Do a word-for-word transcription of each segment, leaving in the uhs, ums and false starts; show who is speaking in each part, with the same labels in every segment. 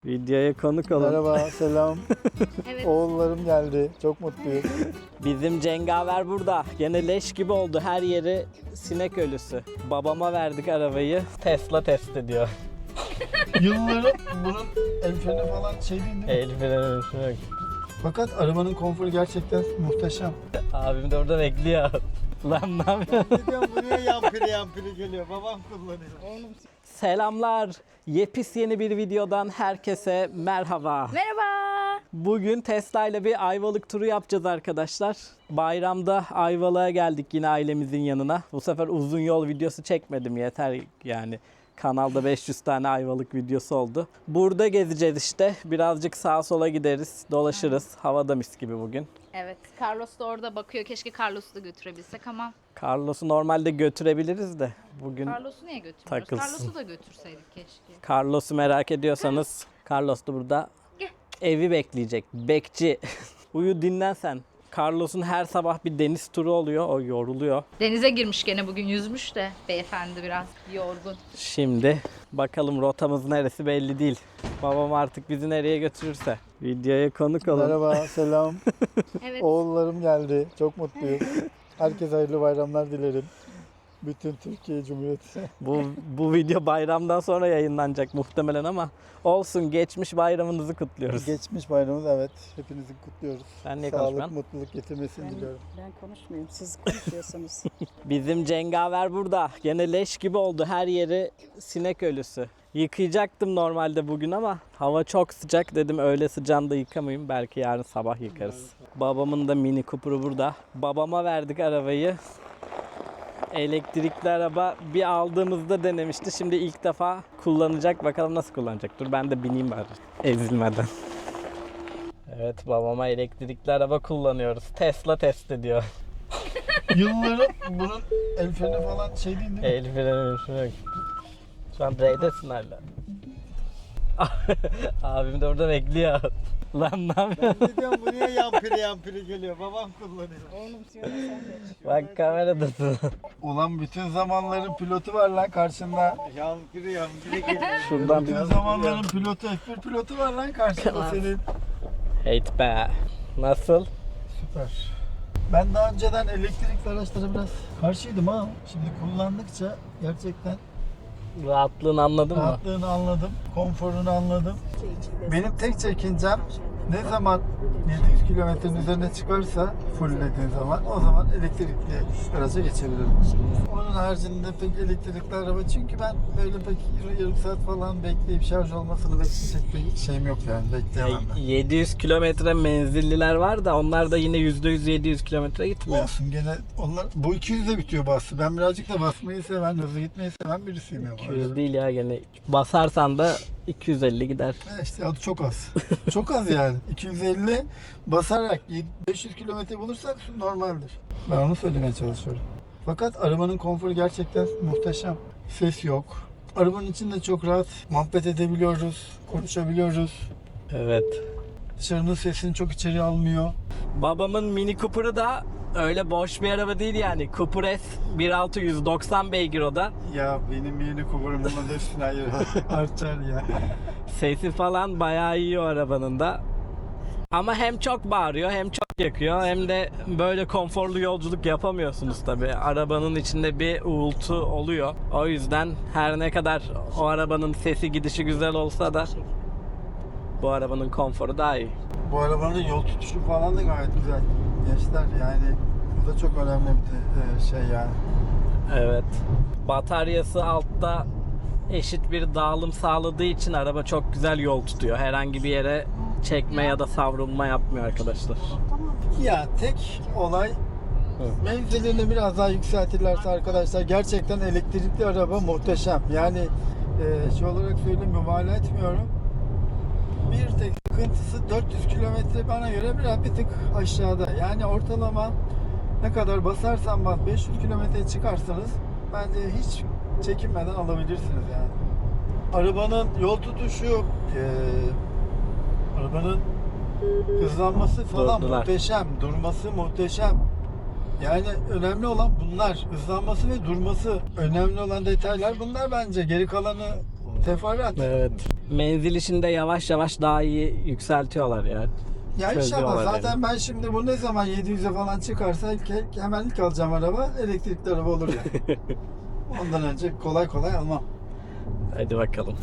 Speaker 1: Videoya konuk olun.
Speaker 2: Merhaba, selam.
Speaker 3: Evet.
Speaker 2: Oğullarım geldi. Çok mutluyum.
Speaker 1: Bizim cengaver burada. Gene leş gibi oldu. Her yeri sinek ölüsü. Babama verdik arabayı. Tesla test ediyor.
Speaker 2: Yılların bunun el freni falan şey değil mi?
Speaker 1: El freni freni.
Speaker 2: Fakat arabanın konforu gerçekten muhteşem.
Speaker 1: Abim de orada bekliyor. Lan ne yapıyorsun?
Speaker 2: Ne diyorum, buraya yampiri yampiri geliyor. Babam kullanıyor.
Speaker 1: Selamlar. Yepis yeni bir videodan herkese merhaba.
Speaker 3: Merhaba.
Speaker 1: Bugün Tesla ile bir Ayvalık turu yapacağız arkadaşlar. Bayramda Ayvalık'a geldik yine ailemizin yanına. Bu sefer uzun yol videosu çekmedim, yeter yani. Kanalda beş yüz tane Ayvalık videosu oldu. Burada gezeceğiz işte. Birazcık sağa sola gideriz, dolaşırız. Havada mis gibi bugün.
Speaker 3: Evet, Carlos da orada bakıyor. Keşke Carlos'u da götürebilsek ama
Speaker 1: Carlos'u normalde götürebiliriz de bugün
Speaker 3: Carlos'u niye götürmüyoruz?
Speaker 1: takılsın.
Speaker 3: Carlos'u da götürseydik keşke.
Speaker 1: Carlos'u merak ediyorsanız Carlos da burada
Speaker 3: Gel.
Speaker 1: evi bekleyecek. Bekçi. Uyu dinlen sen. Carlos'un her sabah bir deniz turu oluyor. O yoruluyor.
Speaker 3: Denize girmiş gene bugün, yüzmüş de beyefendi biraz yorgun.
Speaker 1: Şimdi bakalım rotamız neresi belli değil. Babam artık bizi nereye götürürse. Videoya konuk olun.
Speaker 2: Merhaba, selam.
Speaker 3: Evet.
Speaker 2: Oğullarım geldi. Çok mutluyum. Herkese hayırlı bayramlar dilerim. Bütün Türkiye Cumhuriyeti.
Speaker 1: Bu, bu video bayramdan sonra yayınlanacak muhtemelen ama olsun, geçmiş bayramınızı kutluyoruz.
Speaker 2: Geçmiş bayramımız, evet. Hepinizi kutluyoruz.
Speaker 1: Sen niye
Speaker 2: Sağlık,
Speaker 1: konuşmuyorsun?
Speaker 2: mutluluk getirmesini diliyorum.
Speaker 4: Ben konuşmuyorum, siz konuşuyorsunuz.
Speaker 1: Bizim cengaver burada. Gene leş gibi oldu. Her yeri sinek ölüsü. Yıkayacaktım normalde bugün ama hava çok sıcak. Dedim öğle sıcağında yıkamayayım. Belki yarın sabah yıkarız. Babamın da Mini Cooper'ı burada. Babama verdik arabayı. Elektrikli araba bir aldığımızda denemişti. Şimdi ilk defa kullanacak. Bakalım nasıl kullanacak. Dur ben de bineyim bari. Ezilmeden. Evet, babama elektrikli araba kullanıyoruz. Tesla test ediyor.
Speaker 2: Yılların bunun el freni falan şey değil mi?
Speaker 1: El freni freni. Şu an R'desin hala. Abim de orada bekliyor. Lan ne yapıyorsun?
Speaker 2: Ne diyorum, buraya yampiri yampiri geliyor. Babam kullanıyor.
Speaker 4: Oğlum söyle sen de.
Speaker 1: Bak kameradasın.
Speaker 2: Ulan bütün zamanların pilotu var lan karşında. Yampiri yampiri geliyor.
Speaker 1: Şuradan
Speaker 2: Bütün
Speaker 1: biraz.
Speaker 2: zamanların pilotu, F bir pilotu var lan karşında senin.
Speaker 1: Hate be. Nasıl?
Speaker 2: Süper. Ben daha önceden elektrikli araçlara biraz karşıydım ama şimdi kullandıkça gerçekten
Speaker 1: Rahatlığını anladın mı?
Speaker 2: rahatlığını anladım, konforunu anladım. Benim tek çekincem ne zaman yedi yüz kilometrenin üzerine çıkarsa fulllediğin zaman o zaman elektrikli araca geçebilirim. Onun haricinde pek elektrikli araba, çünkü ben böyle pek yarım saat falan bekleyip şarj olmasını bekleyecek bir şeyim yok yani, bekleyemem ben.
Speaker 1: yedi yüz kilometre menzilliler var da onlar da yine yüzde yüz yedi yüz kilometre gitmiyor.
Speaker 2: Olsun, gene onlar bu iki yüzde bitiyor bası. Ben birazcık da basmayı seven, hızlı gitmeyi seven birisiyim ya.
Speaker 1: iki yüz değil ya, gene basarsan da iki yüz elli gider.
Speaker 2: E İşte adı çok az. Çok az yani. iki yüz elli basarak beş yüz kilometre bulursak normaldir. Ben onu söylemeye çalışıyorum. Fakat arabanın konforu gerçekten muhteşem. Ses yok. Arabanın içinde çok rahat muhabbet edebiliyoruz, konuşabiliyoruz.
Speaker 1: Evet.
Speaker 2: Dışarının sesini çok içeri almıyor.
Speaker 1: Babamın Mini Cooper'ı da öyle boş bir araba değil yani. Cooper S bir nokta altı yüz doksan beygir o da.
Speaker 2: Ya benim yeni kuburum buna hepsini hayır artar ya.
Speaker 1: Sesi falan bayağı iyi o arabanın da. Ama hem çok bağırıyor hem çok yakıyor hem de böyle konforlu yolculuk yapamıyorsunuz tabi. Arabanın içinde bir uğultu oluyor. O yüzden her ne kadar o arabanın sesi gidişi güzel olsa da bu arabanın konforu daha iyi.
Speaker 2: Bu arabanın yol tutuşu falan da gayet güzel. Gençler yani bu da çok önemli bir de, e, şey yani.
Speaker 1: Evet. Bataryası altta eşit bir dağılım sağladığı için araba çok güzel yol tutuyor. Herhangi bir yere çekme ya da savrulma yapmıyor arkadaşlar.
Speaker 2: Ya tek olay menzilini biraz daha yükseltirlerse arkadaşlar gerçekten elektrikli araba muhteşem. Yani e, şey olarak söyleyeyim, mübalağa etmiyorum. Bir tek sıkıntısı dört yüz kilometre bana göre biraz bir tık aşağıda. Yani ortalama ne kadar basarsan bas beş yüz kilometre çıkarsanız bence hiç çekinmeden alabilirsiniz yani. Arabanın yol tutuşu, e, arabanın hızlanması falan
Speaker 1: Durdular.
Speaker 2: muhteşem, durması muhteşem. Yani önemli olan bunlar, hızlanması ve durması. Önemli olan detaylar bunlar bence. Geri kalanı Teferruat.
Speaker 1: Evet. Menzil işinde yavaş yavaş daha iyi yükseltiyorlar ya.
Speaker 2: Ya inşallah
Speaker 1: Çözüyorlar
Speaker 2: zaten
Speaker 1: yani.
Speaker 2: ben şimdi bu ne zaman yedi yüze falan çıkarsa ilk, hemen ilk alacağım araba elektrikli araba olur ya. Ondan önce kolay kolay almam.
Speaker 1: Hadi bakalım.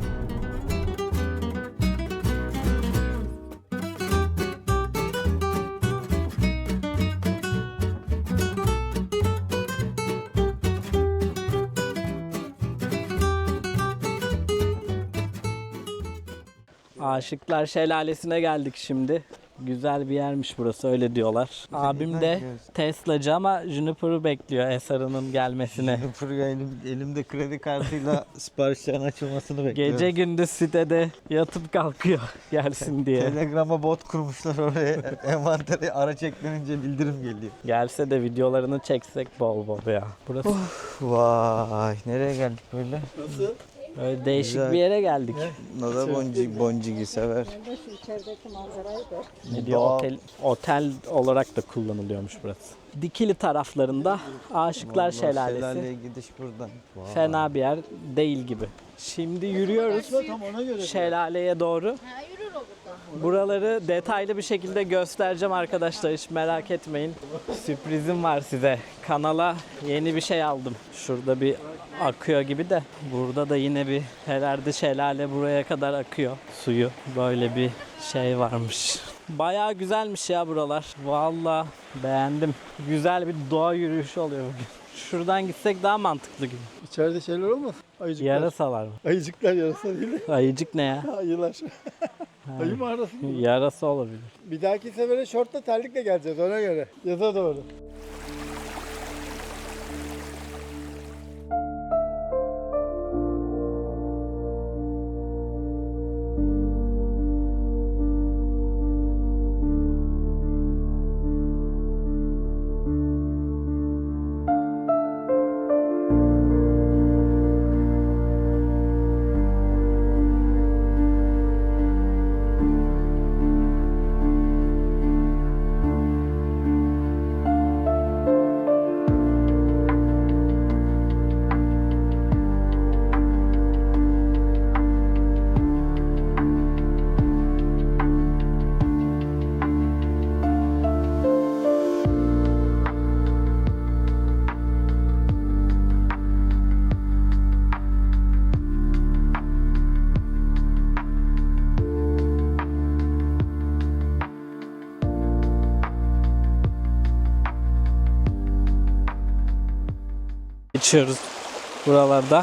Speaker 1: Aşıklar Şelalesi'ne geldik şimdi. Güzel bir yermiş burası, öyle diyorlar. Abim de Tesla'cı ama Juniper'ı bekliyor Esar'ının gelmesine.
Speaker 5: Juniper elim, elimde kredi kartıyla siparişlerin açılmasını bekliyorum.
Speaker 1: Gece gündüz sitede yatıp kalkıyor gelsin diye.
Speaker 5: Telegram'a bot kurmuşlar oraya. Envantere araç eklenince bildirim geliyor.
Speaker 1: Gelse de videolarını çeksek bol bol ya. Burası
Speaker 5: Vay, nereye geldik böyle?
Speaker 2: Nasıl?
Speaker 1: öyle değişik
Speaker 5: Güzel.
Speaker 1: bir yere geldik.
Speaker 5: Nada boncuk boncuk sever.
Speaker 4: Ben de şu içerideki manzarayı gör.
Speaker 1: Ne diyor?
Speaker 5: Doğal.
Speaker 1: Otel, otel olarak da kullanılıyormuş burası. Dikili taraflarında Aşıklar
Speaker 5: Vallahi
Speaker 1: Şelalesi.
Speaker 5: Şelaleye gidiş buradan. Vay.
Speaker 1: Fena bir yer değil gibi. Şimdi yürüyoruz
Speaker 2: Tam ona göre.
Speaker 1: şelaleye doğru. Buraları detaylı bir şekilde göstereceğim arkadaşlar, hiç merak etmeyin. Sürprizim var size. Kanala yeni bir şey aldım. Şurada bir akıyor gibi de. Burada da yine bir herhalde şelale buraya kadar akıyor suyu. Böyle bir şey varmış. Bayağı güzelmiş ya buralar. Vallahi beğendim. Güzel bir doğa yürüyüşü oluyor bugün. Şuradan gitsek daha mantıklı gibi.
Speaker 2: İçeride şeyler olmaz. Ayıcıklar.
Speaker 1: Yarasalar mı?
Speaker 2: Ayıcıklar yarasa değil de
Speaker 1: Ayıcık ne ya?
Speaker 2: ayılar. Ayı mağarası mı?
Speaker 1: Yarası olabilir.
Speaker 2: Bir dahaki sefere şortla terlikle geleceğiz ona göre. Yaza doğru.
Speaker 1: Geçiyoruz buralarda.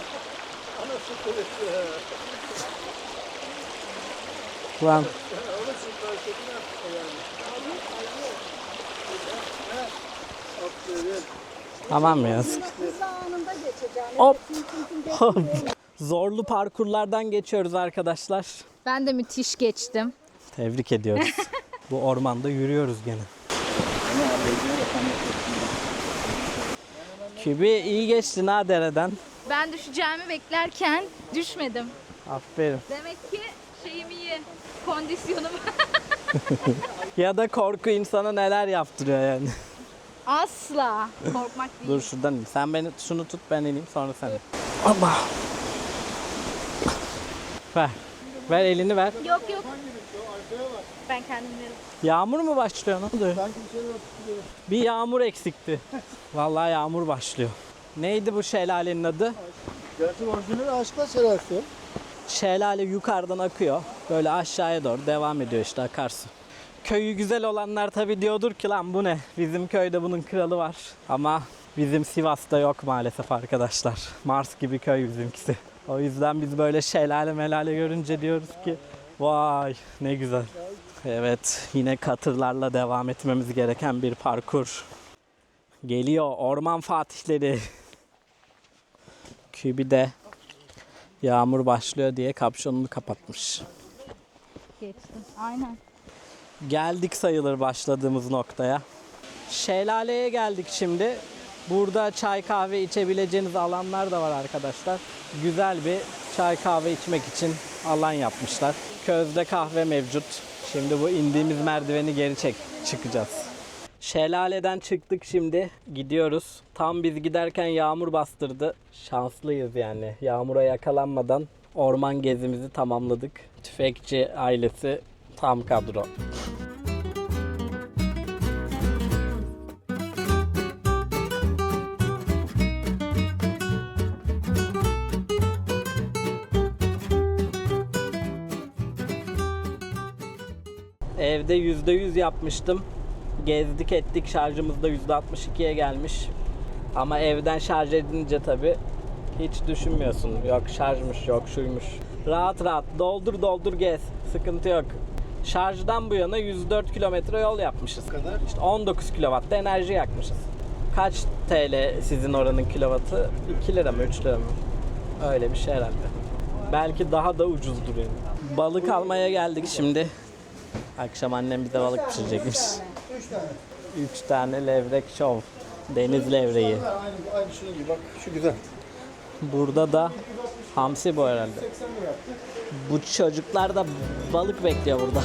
Speaker 1: Lan. Tamam mı yaz?
Speaker 4: Hızlı anında geçeceğim.
Speaker 1: Hop. Hop. Zorlu parkurlardan geçiyoruz arkadaşlar.
Speaker 3: Ben de müthiş geçtim.
Speaker 1: Tebrik ediyoruz. Bu ormanda yürüyoruz gene. Kübi iyi geçtin ha dereden.
Speaker 3: Ben düşeceğimi beklerken düşmedim.
Speaker 1: Aferin.
Speaker 3: Demek ki şeyim iyi. Kondisyonum.
Speaker 1: Ya da korku insana neler yaptırıyor yani.
Speaker 3: Asla korkmak değil.
Speaker 1: Dur şuradan ineyim. Sen beni şunu tut, ben ineyim sonra sen. Allah. Ver. Ver elini ver.
Speaker 3: Yok yok. Ben kendim veririm.
Speaker 1: Yağmur mu başlıyor? Ne oluyor?
Speaker 2: Sanki bir şeyler tutuyor.
Speaker 1: Bir yağmur eksikti. Vallahi yağmur başlıyor. Neydi bu şelalenin adı?
Speaker 2: Gerçi orijinal Aşıklar Şelalesi.
Speaker 1: Şelale yukarıdan akıyor. Böyle aşağıya doğru devam ediyor işte, akarsu. Köyü güzel olanlar tabii diyordur ki lan bu ne? Bizim köyde bunun kralı var. Ama bizim Sivas'ta yok maalesef arkadaşlar. Mars gibi köy bizimkisi. O yüzden biz böyle şelale melale görünce diyoruz ki vay ne güzel. Evet, yine katırlarla devam etmemiz gereken bir parkur. Geliyor orman fatihleri. Kübi de yağmur başlıyor diye kapşonunu kapatmış.
Speaker 3: Geçtim. Aynen.
Speaker 1: Geldik sayılır başladığımız noktaya. Şelaleye geldik şimdi. Burada çay kahve içebileceğiniz alanlar da var arkadaşlar. Güzel bir çay kahve içmek için alan yapmışlar. Közde kahve mevcut. Şimdi bu indiğimiz merdiveni geri çek çıkacağız. Şelaleden çıktık şimdi. Gidiyoruz. Tam biz giderken yağmur bastırdı. Şanslıyız yani. Yağmura yakalanmadan orman gezimizi tamamladık. Tüfekçi ailesi tam kadro. Evde yüzde yüz yapmıştım. Gezdik ettik, şarjımız da yüzde altmış ikiye gelmiş. Ama evden şarj edince tabi hiç düşünmüyorsun. Yok şarjmış, yok şuymuş. Rahat rahat doldur doldur gez. Sıkıntı yok. Şarjdan bu yana yüz dört kilometre yol yapmışız.
Speaker 2: Bu kadar.
Speaker 1: İşte on dokuz kilowatt da enerji yakmışız. Kaç T L sizin oranın kilovatı? iki lira mı üç lira mı? Öyle bir şey herhalde. Belki daha da ucuzdur yani. Balık almaya geldik şimdi. Akşam annem bize balık pişirecekmiş.
Speaker 2: Üç tane.
Speaker 1: Üç tane levrek şov. Deniz levreği.
Speaker 2: Aynı, aynı şunun gibi bak şu güzel.
Speaker 1: Burada da hamsi bu herhalde.
Speaker 2: seksen lira yaptı.
Speaker 1: Bu çocuklar da balık bekliyor burada.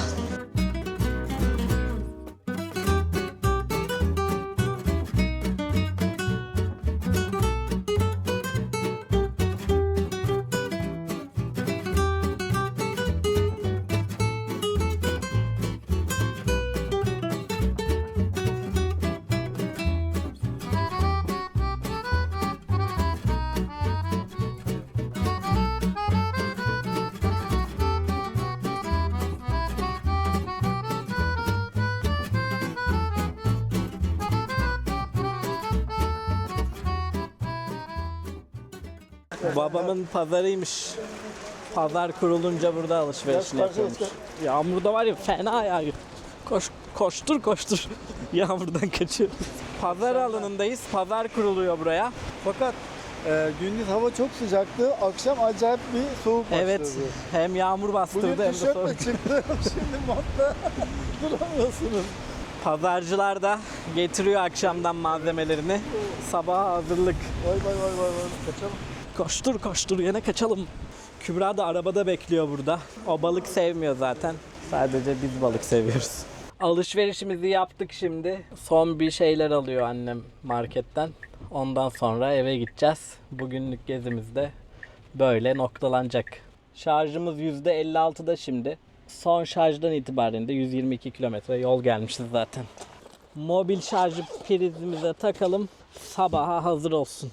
Speaker 1: Babamın pazarıymış. Pazar kurulunca burada alışverişini
Speaker 2: Biraz
Speaker 1: yapıyormuş.
Speaker 2: karşı
Speaker 1: Yağmurda var ya fena yağıyor. Koş, koştur koştur. Yağmurdan kaçıyoruz. Pazar alanındayız. Pazar kuruluyor buraya.
Speaker 2: Fakat e, gündüz hava çok sıcaktı. Akşam acayip bir soğuk başladı.
Speaker 1: Evet. Hem yağmur bastırdı
Speaker 2: Bugün
Speaker 1: hem de
Speaker 2: tişörtle
Speaker 1: soğuk.
Speaker 2: çıktım. Şimdi montla duramıyorsunuz.
Speaker 1: Pazarcılar da getiriyor akşamdan malzemelerini. Sabaha hazırlık.
Speaker 2: Vay vay vay vay vay. Kaçalım.
Speaker 1: Koştur koştur yine kaçalım. Kübra da arabada bekliyor burada. O balık sevmiyor zaten. Sadece biz balık seviyoruz. Alışverişimizi yaptık şimdi. Son bir şeyler alıyor annem marketten. Ondan sonra eve gideceğiz. Bugünlük gezimiz de böyle noktalanacak. Şarjımız yüzde elli altıda şimdi. Son şarjdan itibaren de yüz yirmi iki kilometre yol gelmişiz zaten. Mobil şarjı prizimize takalım. Sabaha hazır olsun.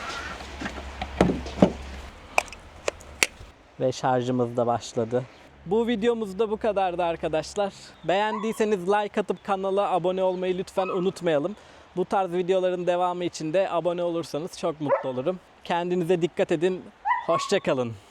Speaker 1: Ve şarjımız da başladı. Bu videomuz da bu kadardı arkadaşlar. Beğendiyseniz like atıp kanala abone olmayı lütfen unutmayalım. Bu tarz videoların devamı için de abone olursanız çok mutlu olurum. Kendinize dikkat edin. Hoşça kalın.